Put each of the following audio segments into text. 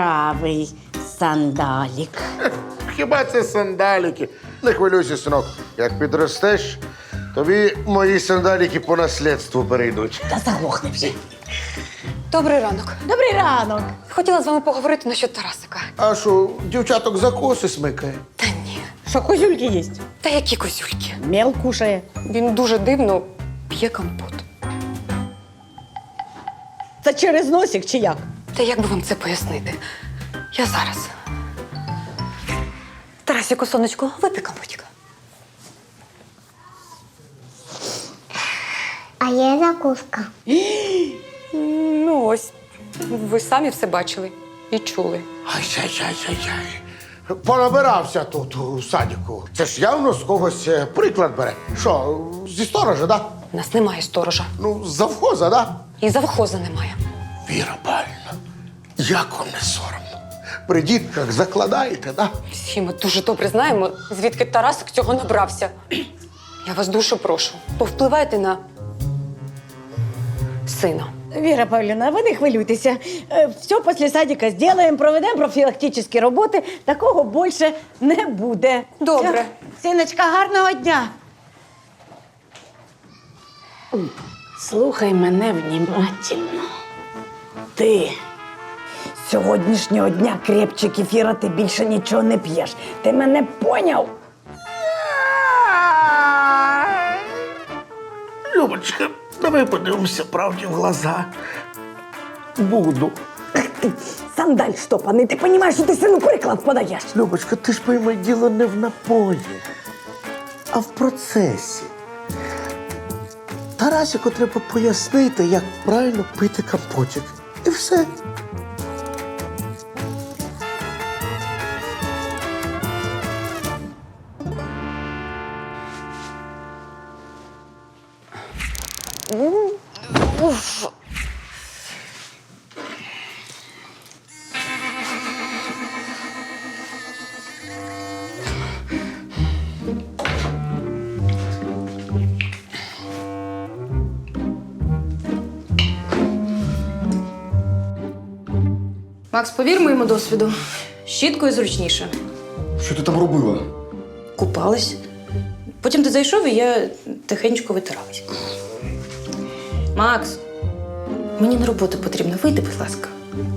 правий сандалік. Хіба це сандаліки? Не хвилюйся, синок. Як підростеш, тобі мої сандаліки по наслідству перейдуть. Та заглохни вже. Добрий ранок. Добрий ранок. Хотіла з вами поговорити насчет Тарасика. А що, дівчаток за коси смикає? Та ні. Що, козюльки є? Та які козюльки. Мел кушає. Він дуже дивно п'є компот. Це через носик чи як? Та як би вам це пояснити? Я зараз. Тарасику, сонечко, випий компотика. А є закуска. Ну ось, ви самі все бачили і чули. Ай-яй-яй-яй-яй. Понабирався тут у садіку. Це ж явно з когось приклад бере. Що, зі сторожа, да? У нас немає сторожа. Ну, з завхоза, да? І завхоза немає. Віра Павлівна, як вам не соромно? При дітках закладаєте, да? Всі ми дуже добре знаємо, звідки Тарасик цього набрався. Я вас дуже прошу, повпливайте на сина. Віра Павлівна, ви не хвилюйтеся. Все після садика зробимо, проведемо профілактичні роботи. Такого більше не буде. Добре. Все. Синочка, гарного дня. Слухай мене внимательно. Ти з сьогоднішнього дня крепче кефіра ти більше нічого не п'єш. Ти мене поняв? Любочка, давай подивимося правді в глаза. Буду. Сандаль штопаний, ти розумієш, що ти сину приклад подаєш? Любочка, ти ж пойми, діло не в напої, а в процесі. Тарасику треба пояснити, як правильно пити компотик. І все. Макс, повір моєму досвіду. Щіткою зручніше. Що ти там робила? Купалась. Потім ти зайшов, і я тихенько витиралась. Макс, мені на роботу потрібно. Вийди, будь ласка.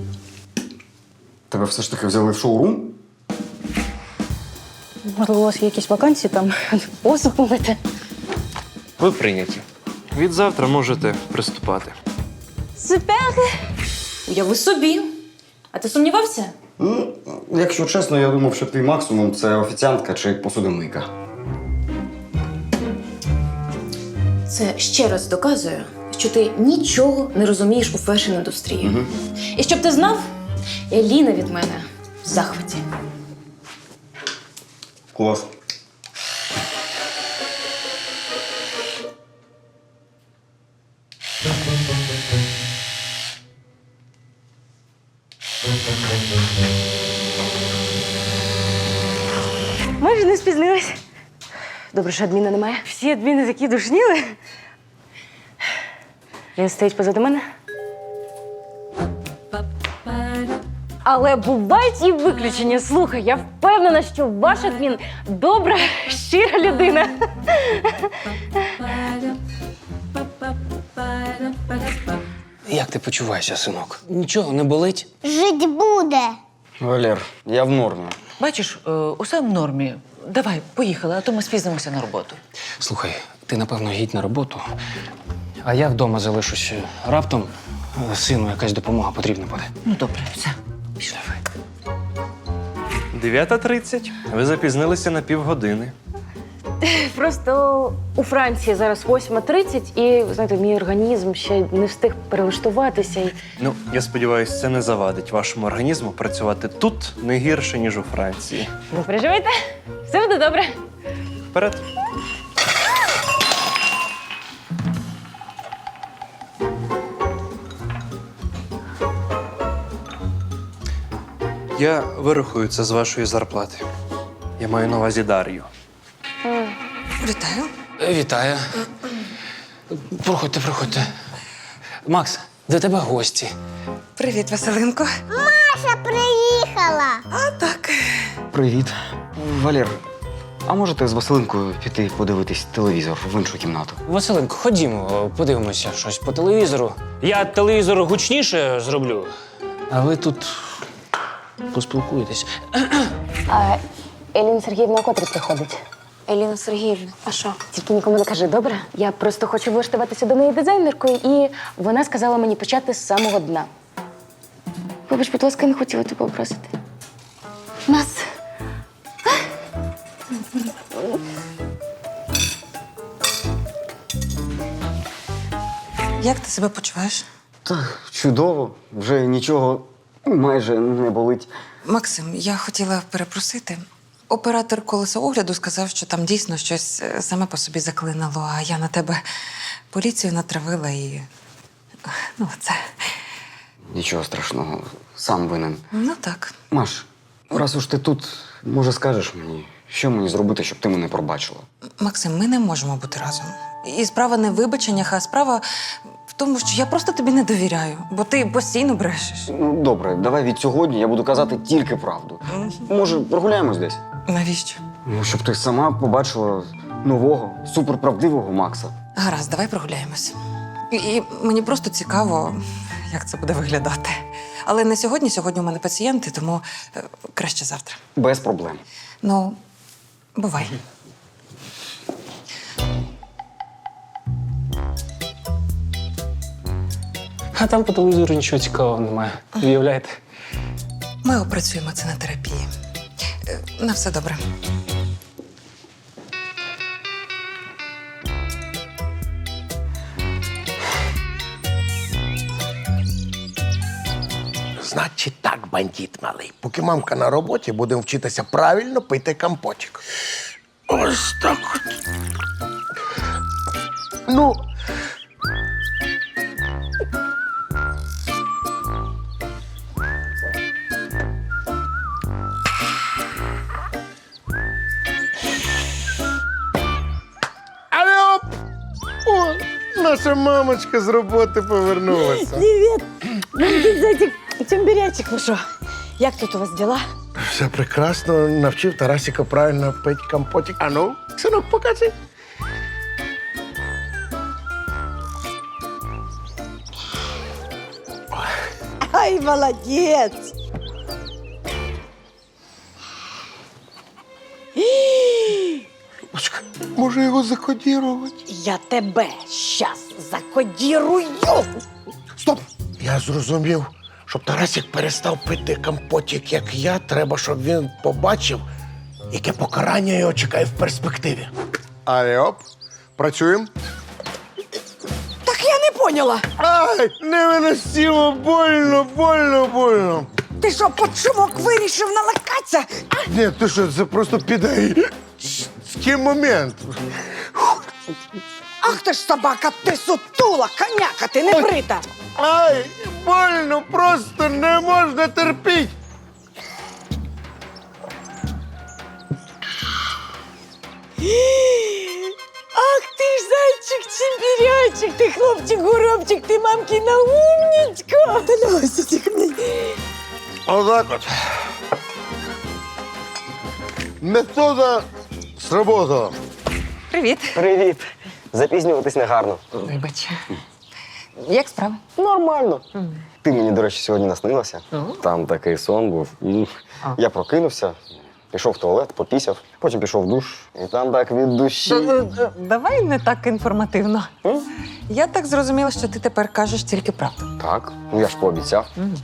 Тебе все ж таки взяли в шоурум? Можливо, у вас є якісь вакансії там? Посуд помити. Ви прийняті. Від завтра можете приступати. Супер! Уяви собі. А ти сумнівався? Ну, якщо чесно, я думав, що твій максимум це офіціантка чи посудомийка. Це ще раз доказує, що ти нічого не розумієш у фешн-індустрії. І щоб ти знав, Еліна від мене в захваті. Клас. Майже не спізнилась. Добре, що адміна немає. Всі адміни такі душніли. Він стоїть позаду мене. Але бувають і виключення. Слухай, я впевнена, що ваш адмін добра, щира людина. Як ти почуваєшся, синок? Нічого не болить? Жить буде. Валер, я в нормі. Бачиш, усе в нормі. Давай, поїхали, а то ми спізнимося на роботу. Слухай, ти, напевно, їдь на роботу, а я вдома залишусь. Раптом сину якась допомога потрібна буде. Ну, добре, все. Пішли. 9:30. Ви запізнилися на півгодини. Просто у Франції зараз 8:30 і, ви знаєте, мій організм ще не встиг перелаштуватися. Ну, я сподіваюся, це не завадить вашому організму працювати тут не гірше, ніж у Франції. Не переживайте, все буде добре. Вперед! Я вирахую це з вашої зарплати. Я маю на увазі Дар'ю. Вітаю. Вітаю. Проходьте, проходьте. Макс, до тебе гості. Привіт, Василинко. Маша приїхала. Привіт. Валер, а можете з Василинкою піти подивитись телевізор в іншу кімнату? Василенко, ходімо, подивимося щось по телевізору. Я телевізор гучніше зроблю. А ви тут поспілкуєтесь. А Еліна Сергіївна котрі приходить? Еліна Сергіївна, а що? Тільки нікому не кажи, добре? Я просто хочу влаштуватися до неї дизайнеркою, і вона сказала мені почати з самого дна. Вибач, будь ласка, я не хотіла тебе образити. Нас. Як ти себе почуваєш? Так, чудово. Вже нічого майже не болить. Максим, я хотіла перепросити. Оператор колеса огляду сказав, що там дійсно щось саме по собі заклинило, а я на тебе поліцію натравила і. Ну, це. Нічого страшного, сам винен. Ну так. Маш, раз уж ти тут, може скажеш мені, що мені зробити, щоб ти мене пробачила? Максим, ми не можемо бути разом. І справа не в вибаченнях, а справа в тому, що я просто тобі не довіряю, бо ти постійно брешеш. Ну, добре, давай від сьогодні я буду казати тільки правду. Може, прогуляємось десь? Навіщо? Ну, щоб ти сама побачила нового, суперправдивого Макса. Гаразд, давай прогуляємось. І мені просто цікаво, як це буде виглядати. Але не сьогодні, сьогодні у мене пацієнти, тому краще завтра. Без проблем. Ну, бувай. А там по телевізору нічого цікавого немає. Уявляєте? Ми опрацюємо це на терапії. На все добре. Значить так, бандит малий. Поки мамка на роботі, будемо вчитися правильно пити компотик. Ось так от. Ну. Алло! О, наша мамочка з роботи повернулася. Привіт! Бандит зайчик, чембірячик, ну що? Як тут у вас діла? Все прекрасно. Навчив Тарасіка правильно пити компотик. А ну, синок, покажи. Ай, молодець! Бачка, може його закодірувати? Я тебе щас закодірую! Стоп! Я зрозумів, щоб Тарасік перестав пити компотик, як я, треба, щоб він побачив, яке покарання його чекає в перспективі. Алло, працюємо? Так я не поняла. Ай, невиносимо, больно. Ти що, під шумок вирішив налакатися? Ні, ти що, це просто підайський момент. Ах ти ж собака, ти сутула, коняка, ти не брита. Ай, больно, просто не можна терпіти. Ах ти ж зайчик-чембірячик, ти хлопчик-горобчик, ти мамкіна умнічка. Та Лосічик мій. Отак от. Метода сработала. Привіт. Привіт. Запізнюватись не гарно. Вибач. Як справи? Нормально. Ти мені, до речі, сьогодні наснилася. Там такий сон був. Я прокинувся, пішов в туалет, попісяв, потім пішов в душ. І там так від душі. Давай не так інформативно. Я так зрозуміла, що ти тепер кажеш тільки правду. Так, ну я ж пообіцяв.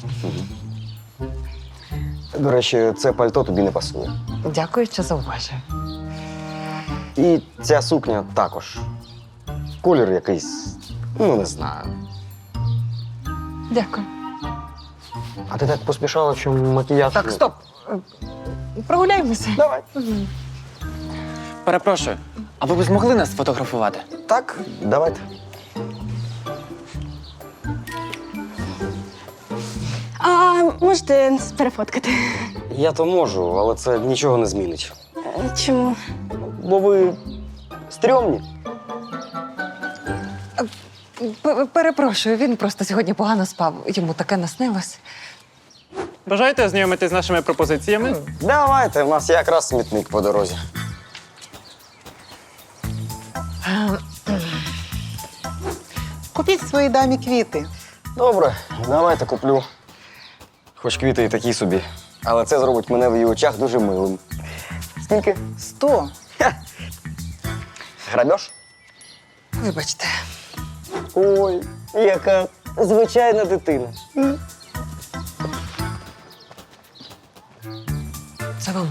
До речі, це пальто тобі не пасує. Дякую, що зауважив. І ця сукня також. Колір якийсь, ну не знаю. Дякую. А ти так поспішала, що макіяж... Так, стоп. Прогуляємося. Давай. Перепрошую, а ви б змогли нас сфотографувати? Так, давайте. А можете перефоткати? Я то можу, але це нічого не змінить. Чому? Бо ви стрьомні. Перепрошую, він просто сьогодні погано спав. Йому таке наснилось. Бажаєте ознайомитись з нашими пропозиціями? Давайте, в нас якраз смітник по дорозі. Купіть своїй дамі квіти. Добре, давайте куплю. Хоч квіти і такі собі. Але це зробить мене в її очах дуже милим. Скільки? 100. Грабеж? Вибачте. Ой, яка звичайна дитина. Це вам.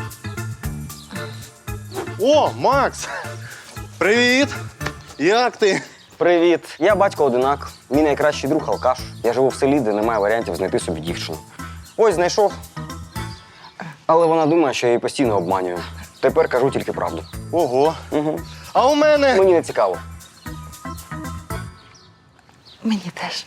О, Макс! Привіт! Як ти? Привіт. Я батько одинак. Мій найкращий друг алкаш. Я живу в селі, де немає варіантів знайти собі дівчину. Ось знайшов. Але вона думає, що я її постійно обманюю. Тепер кажу тільки правду. Ого. Угу. А у мене. Мені не цікаво. Мені теж.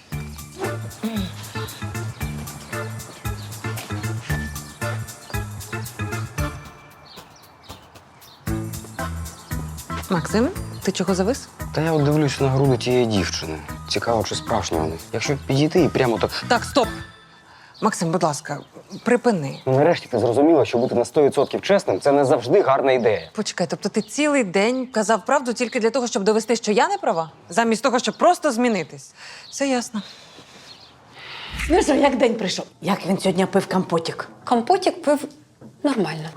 Максим, ти чого завис? Та я от дивлюсь на груди тієї дівчини. Цікаво, чи справжня вони. Якщо підійти і прямо так. Так, стоп. Максим, будь ласка, припини. Ну, нарешті ти зрозуміла, що бути на 100% чесним це не завжди гарна ідея. Почекай, тобто ти цілий день казав правду тільки для того, щоб довести, що я не права? Замість того, щоб просто змінитись. Все ясно. Ну що, як день прийшов? Як він сьогодні пив компотик? Компотік пив нормально.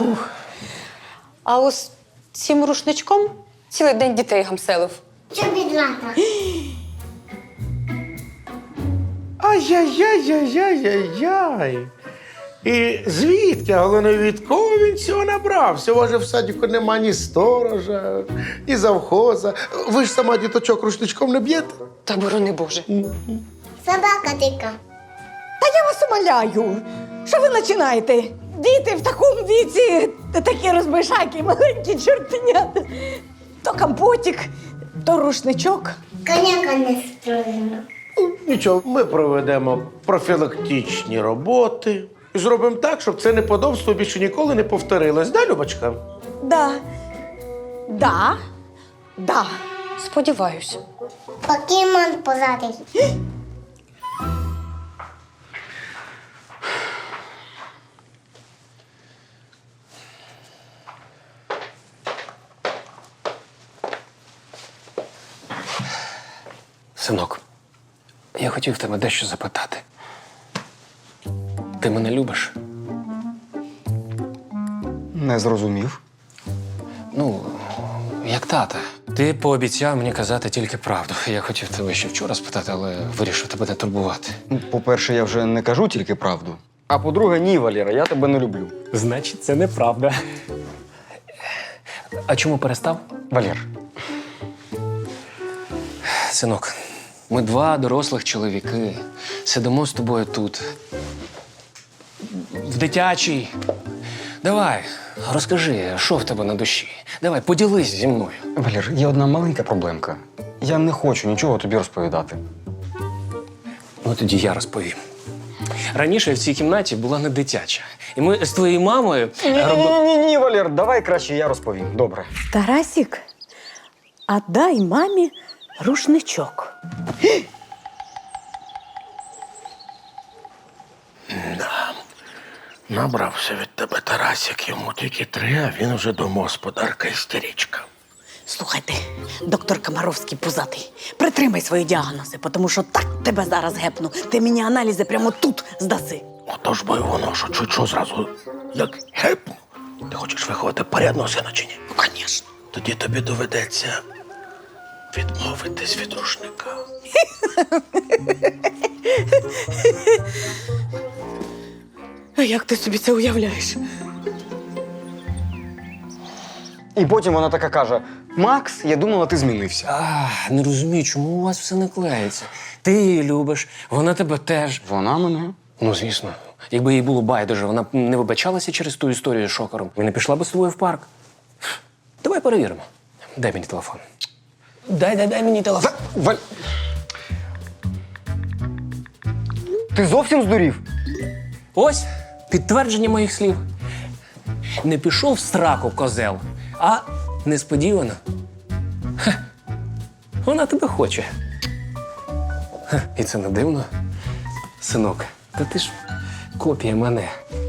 А ось цим рушничком цілий день дітей гамселив. Що бідрата? Ай-яй-яй-яй-яй-яй. І звідки, а головне, від кого він цього набрався? У вас же в садіку нема ні сторожа, ні завхоза. Ви ж сама діточок рушничком не б'єте? Та борони Боже. Собака тика. Та я вас умоляю. Що ви починаєте? Діти в такому віці такі розбишаки, маленькі чортенята. То компотик, то рушничок. Коняка не стрижена. Нічого, ми проведемо профілактичні роботи і зробимо так, щоб це неподобство більше ніколи не повторилось. Да, Любочка? Да. Сподіваюсь. Покемон позади. Синок, я хотів тебе дещо запитати. Ти мене любиш? Не зрозумів. Ну, як тата. Ти пообіцяв мені казати тільки правду. Я хотів тебе ще вчора спитати, але вирішив тебе не турбувати. По-перше, я вже не кажу тільки правду. А по-друге, ні, Валера, я тебе не люблю. Значить, це неправда. А чому перестав? Валер, Синок, ми два дорослих чоловіки. Сидимо з тобою тут. В дитячій. Давай, розкажи, що в тебе на душі. Давай, поділись зі мною. Валер, є одна маленька проблемка. Я не хочу нічого тобі розповідати. Ну, тоді я розповім. Раніше в цій кімнаті була не дитяча. І ми з твоєю мамою Ні, Валер, давай краще я розповім. Добре. Тарасік, а дай мамі рушничок. Набрався від тебе Тарасик, йому тільки 3, а він вже домогосподарка істеричка. Слухайте, доктор Комаровський пузатий, притримай свої діагнози, тому що так тебе зараз гепну. Ти мені аналізи прямо тут здаси. Отож бо й воно, що чуть-чуть зразу як гепну. Ти хочеш виховати порядного сина чи ні? Ну, звісно. Тоді тобі доведеться відмовитись від рушника. А як ти собі це уявляєш? І потім вона така каже: Макс, я думала, ти змінився. Не розумію, чому у вас все не клеїться. Ти її любиш, вона тебе теж. Вона мене. Ну, звісно. Якби їй було байдуже, вона б не вибачалася через ту історію з шокером і не пішла би з тобою в парк. Давай перевіримо. Дай мені телефон. Дай мені телефон. Валь... Ти зовсім здурів? Ось підтвердження моїх слів. Не пішов в сраку, козел, а несподівано. Вона тебе хоче. І це не дивно. Синок, та ти ж копія мене.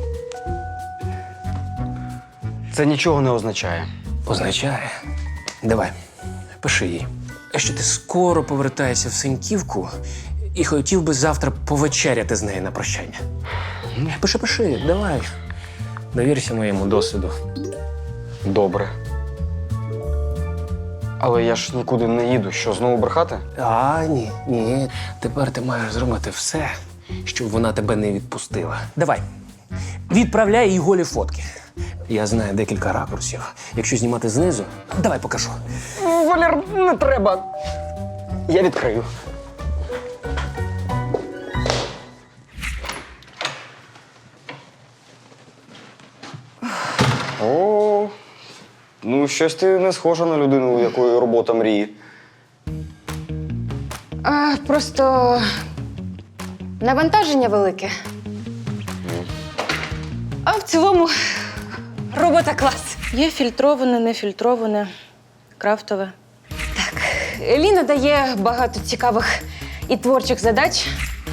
Це нічого не означає. Означає. Давай, пиши їй. Що ти скоро повертаєшся в Синьківку і хотів би завтра повечеряти з нею на прощання. Пиши, давай. Довірся моєму досвіду. Добре. Але я ж нікуди не їду. Що, знову брехати? Ні. Тепер ти маєш зробити все, щоб вона тебе не відпустила. Давай, відправляй їй голі фотки. Я знаю декілька ракурсів. Якщо знімати знизу, давай покажу. Валер, не треба. Я відкрию. О, ну щось ти не схожа на людину, у якої робота мрії. Просто навантаження велике. А в цілому робота клас. Є фільтроване, нефільтроване, крафтове. Так, Ліна дає багато цікавих і творчих задач.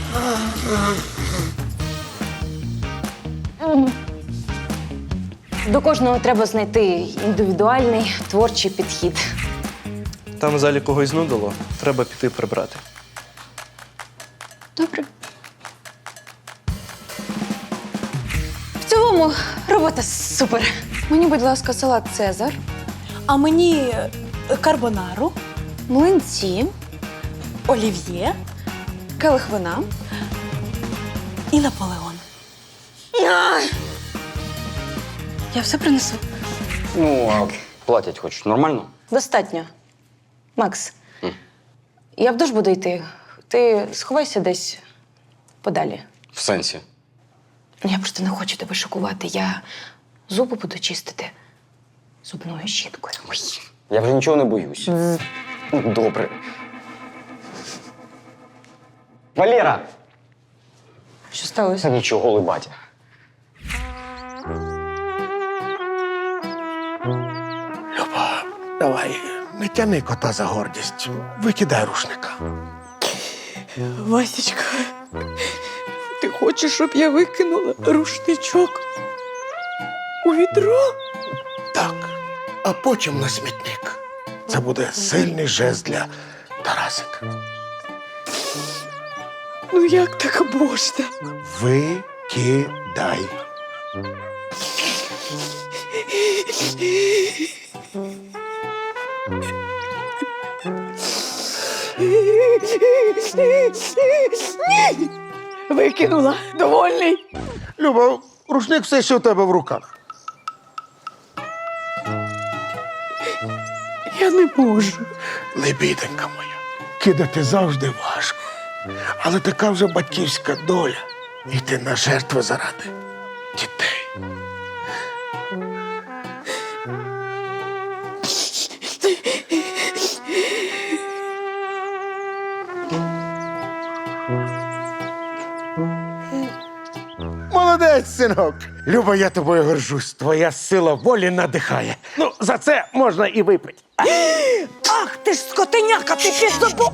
До кожного треба знайти індивідуальний творчий підхід. Там в залі когось знудило, треба піти прибрати. Добре. В цілому робота супер. Мені, будь ласка, салат Цезар, а мені карбонару, Млинці. олів'є, келих вина і Наполеон. Я все принесу. Ну, а платять хоч нормально? Достатньо. Макс, я в душ буду йти. Ти сховайся десь подалі. В сенсі. Я просто не хочу тебе шокувати. Я зуби буду чистити зубною щіткою. Я вже нічого не боюсь. Добре. Валера! Що сталося? Та нічого, либатя. Люба, давай, не тяни кота за гордість. Викидай рушника. Васечка, ти хочеш, щоб я викинула рушничок у відро? Так. А потім на смітник. Це буде сильний жест для Тарасика. Ну як так можна? Викидай. Викинула. Довольний. Люба, рушник все ще у тебе в руках. Я не можу. Лебіденька моя, кидати завжди важко. Але така вже батьківська доля. Йти на жертви заради дітей. Молодець, синок. Люба, я тобою горжусь. Твоя сила волі надихає. Ну, за це можна і випити. Ах, ти ж скотиняка, ти підзабор...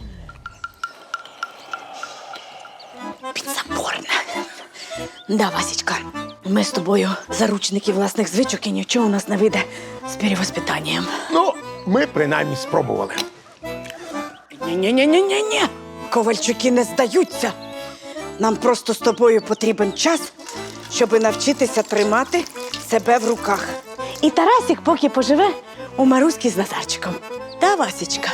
Підзаборна. Да, Васечка, ми з тобою заручники власних звичок і нічого у нас не вийде з перевоспитанням. Ну, ми принаймні спробували. Ні-ні-ні-ні-ні. Ковальчуки не здаються. Нам просто з тобою потрібен час, щоб навчитися тримати себе в руках. І Тарасик поки поживе у Маруськи з Назарчиком. Та, Васечка?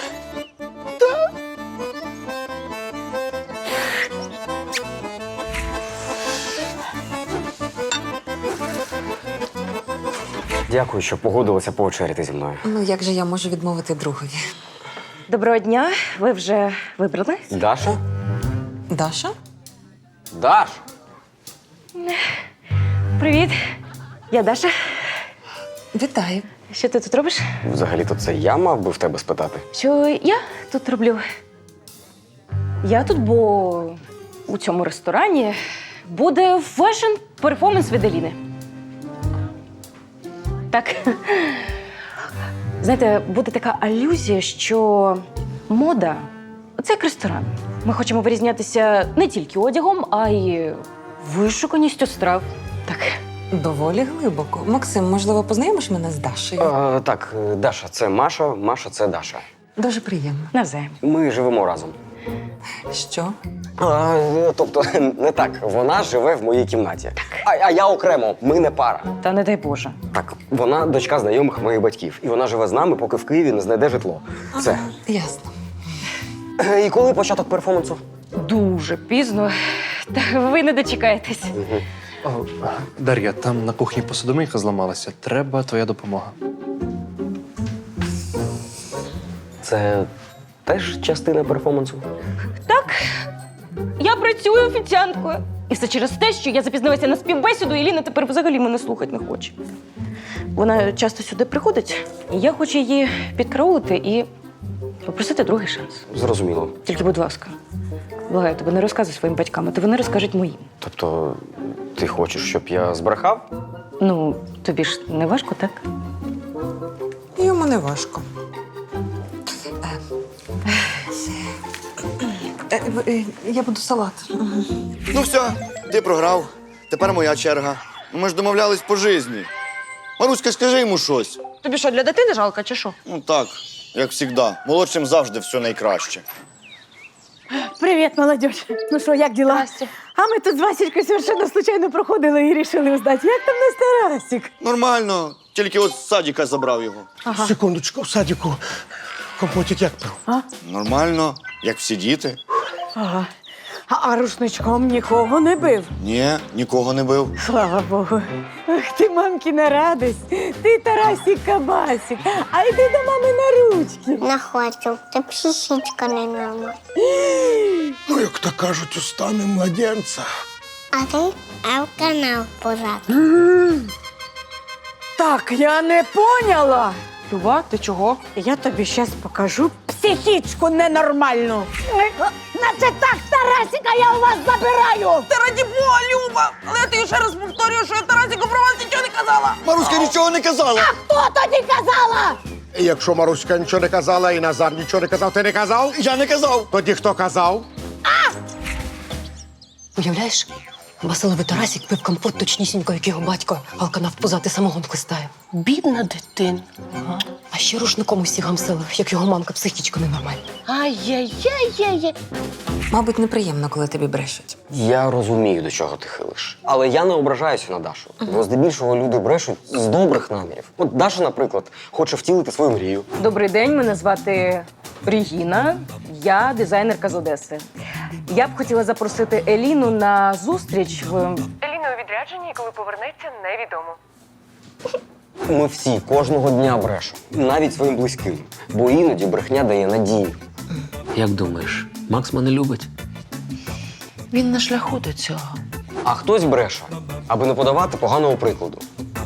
Дякую, що погодилася повечеряти зі мною. Ну, як же я можу відмовити другові? Доброго дня. Ви вже вибрали? Даша? Даша? Даш! Привіт. Я Даша. Вітаю. Що ти тут робиш? Взагалі-то це я мав би в тебе спитати. Що я тут роблю? Я тут, бо у цьому ресторані буде фешн-перформанс від Еліни. Так. Знаєте, буде така алюзія, що мода – це як ресторан. Ми хочемо вирізнятися не тільки одягом, а й Вишуканістю страв. Так. Доволі глибоко. Максим, можливо, познайомиш мене з Дашею? Так, Даша це Маша, Маша це Даша. Дуже приємно. Навзаєм. Ми живемо разом. Що? Тобто, не так. Вона живе в моїй кімнаті. А я окремо, ми не пара. Та не дай Боже. Так, вона дочка знайомих моїх батьків. І вона живе з нами, поки в Києві не знайде житло. Все. Ясно. І коли початок перформансу? Дуже пізно. Та ви не дочекаєтесь. О, Дар'я, там на кухні посудомийка зламалася. Треба твоя допомога. Це теж частина перформансу? Так, я працюю офіціанткою. І все через те, що я запізнилася на співбесіду, і Ліна тепер взагалі мене слухати не хоче. Вона часто сюди приходить, і я хочу її підкараулити і попросити другий шанс. Зрозуміло. Тільки, будь ласка, благаю тебе, не розказуй своїм батькам, а то вони розкажуть моїм. Тобто, ти хочеш, щоб я збрехав? Ну, тобі ж не важко, так? Йому не важко. Я буду салат. Ну все, ти програв. Тепер моя черга. Ну, ми ж домовлялись по житті. Маруська, скажи йому щось. Тобі що, для дитини жалко, чи що? Ну так, як завжди. Молодшим завжди все найкраще. Привіт, молодь. Ну що, як діла? А ми тут з Васечкою совершенно случайно проходили і рішили узнати, як там наш Тарасик. Нормально, тільки от з садика забрав його. Секундочку, в садіку компотик як пив? Нормально, як всі діти. Ага. А рушничком нікого не бив. Ні, нікого не бив. Слава Богу. Ах, ти мамкіна радость. Ти Тарасик-кабасик. А йди до мами на ручки. Не хочу. Ти психічка не норма. Ну, як то кажуть, устами младенця. А ти в канал позад. Так, я не поняла. Люба, ти чого? Я тобі зараз покажу психічку ненормальну. Наче так, Тарасика, я у вас забираю. Та раді Бога, Люба! Але я тобі ще раз повторюю, що я Тарасику про вас нічого не казала. Маруська нічого не казала. Хто тоді казала? І якщо Маруська нічого не казала, і Назар нічого не казав, ти не казав? Я не казав. Тоді хто казав? Уявляєш, Василовий Тарасик пив компот точнісінько, як його батько, алканав позати самогонку стає. Бідна дитина. А ще рушником усі гамсили, як його мамка психічка ненормальна. Ай-яй-яй-яй. Мабуть, неприємно, коли тобі брешуть. Я розумію, до чого ти хилиш. Але я не ображаюся на Дашу. Бо здебільшого люди брешуть з добрих намірів. От Даша, наприклад, хоче втілити свою мрію. Добрий день, мене звати Регіна. Я дизайнерка з Одеси. Я б хотіла запросити Еліну на зустріч в... Еліна у відрядженні, коли повернеться, невідомо. Ми всі кожного дня брешемо. Навіть своїм близьким. Бо іноді брехня дає надію. Як думаєш, Макс мене любить? Він на шляху до цього. А хтось бреше, аби не подавати поганого прикладу.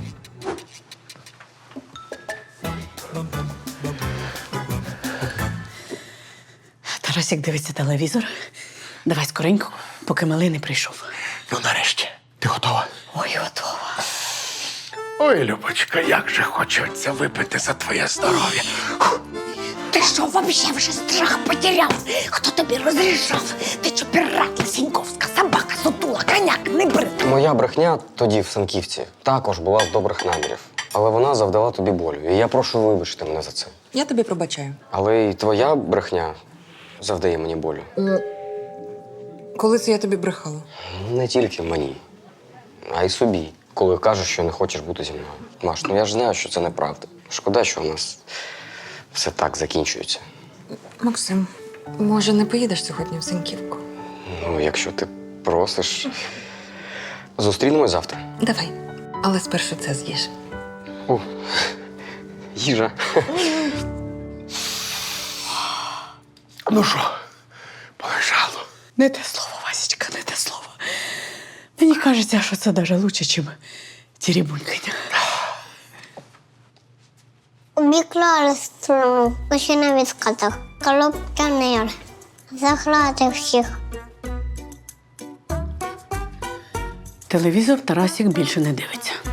Тарасик дивиться телевізор. Давай скоренько, поки малий не прийшов. Ну, нарешті. Ти готова? Ой, готова. Ой, Любочка, як же хочеться випити за твоє здоров'я. Ти що, вообще вже страх потеряв? Хто тобі розрішав? Ти що, пірат, Лисеньковська, собака, сутула, коняк, не брит. Моя брехня тоді в Санківці також була з добрих намірів. Але вона завдала тобі болю. І я прошу вибачити мене за це. Я тобі пробачаю. Але і твоя брехня завдає мені болю. Коли це я тобі брехала? Не тільки мені, а й собі. Коли кажеш, що не хочеш бути зі мною. Маш, ну я ж знаю, що це неправда. Шкода, що у нас все так закінчується. Максим, може, не поїдеш сьогодні в Синьківку? Ну, якщо ти просиш, зустрінемось завтра. Давай. Але спершу це з'їж. Їжа. Ну що, полежало? Не те слово, Васечка, не те слово. Мені кажеться, що це навіть краще, ніж тірібунькання. Обіклали струну, ще на відскатах. Корупціонер. Заграти всіх. Телевізор Тарасик більше не дивиться.